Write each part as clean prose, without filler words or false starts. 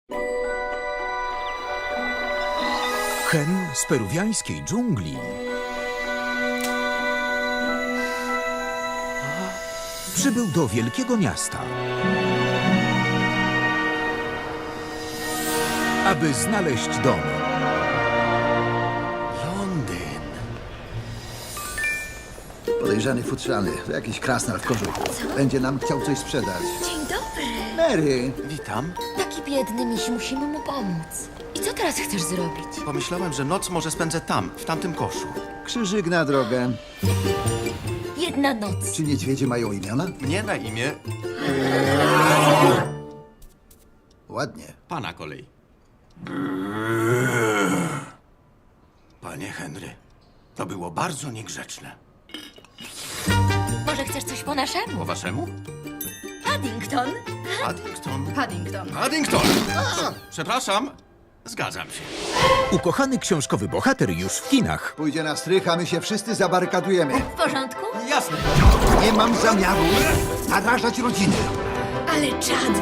Hen z peruwiańskiej dżungli przybył do wielkiego miasta, aby znaleźć dom. Londyn. Podejrzany futrzany. To jakiś krasnal w kożuchu. Będzie nam chciał coś sprzedać. Dzień dobry. Mary! Witam. Taki biedny miś, musimy mu pomóc. I co teraz chcesz zrobić? Pomyślałem, że noc może spędzę tam, w tamtym koszu. Krzyżyk na drogę. Jedna noc. Czy niedźwiedzie mają imiona? Mnie na imię Ładnie. pana kolei. Panie Henry, to było bardzo niegrzeczne. Może chcesz coś po naszemu? Po waszemu? Paddington? Paddington. Paddington. Paddington! Przepraszam, zgadzam się. Ukochany książkowy bohater już w kinach. Pójdzie na strych, a my się wszyscy zabarykadujemy. W porządku? Jasne. Nie mam zamiaru narażać rodziny. Ale czad.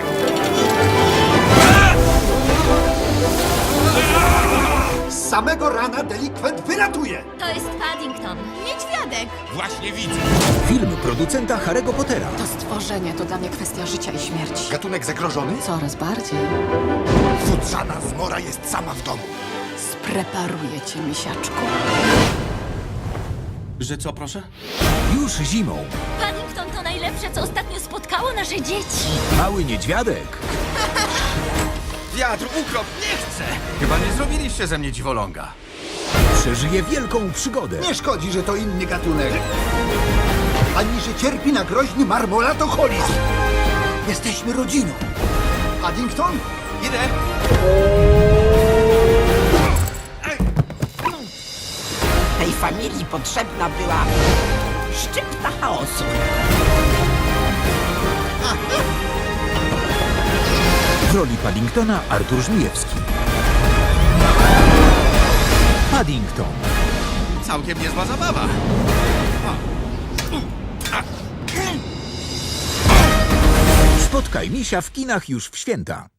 Z samego rana delikwent wylatuje. To jest Paddington. Niedźwiadek. Właśnie widzę. Film producenta Harry'ego Pottera. To stworzenie to dla mnie kwestia życia i śmierci. Gatunek zagrożony? Coraz bardziej. Futrzana zmora jest sama w domu. Spreparuję cię, misiaczku. Że co, proszę? Już zimą. Paddington to najlepsze, co ostatnio spotkało nasze dzieci. Mały niedźwiadek Wiatr, ukrop, nie chcę! Chyba nie zrobiliście ze mnie dziwoląga. przeżyje wielką przygodę. Nie szkodzi, że to inny gatunek. Ani że cierpi na groźny marmolatoholizm. Jesteśmy rodziną. Paddington? Idę! Tej familii potrzebna była szczypta chaosu. W roli Paddingtona Artur Żmijewski. Paddington. Całkiem niezła zabawa. Spotkaj misia w kinach już w święta.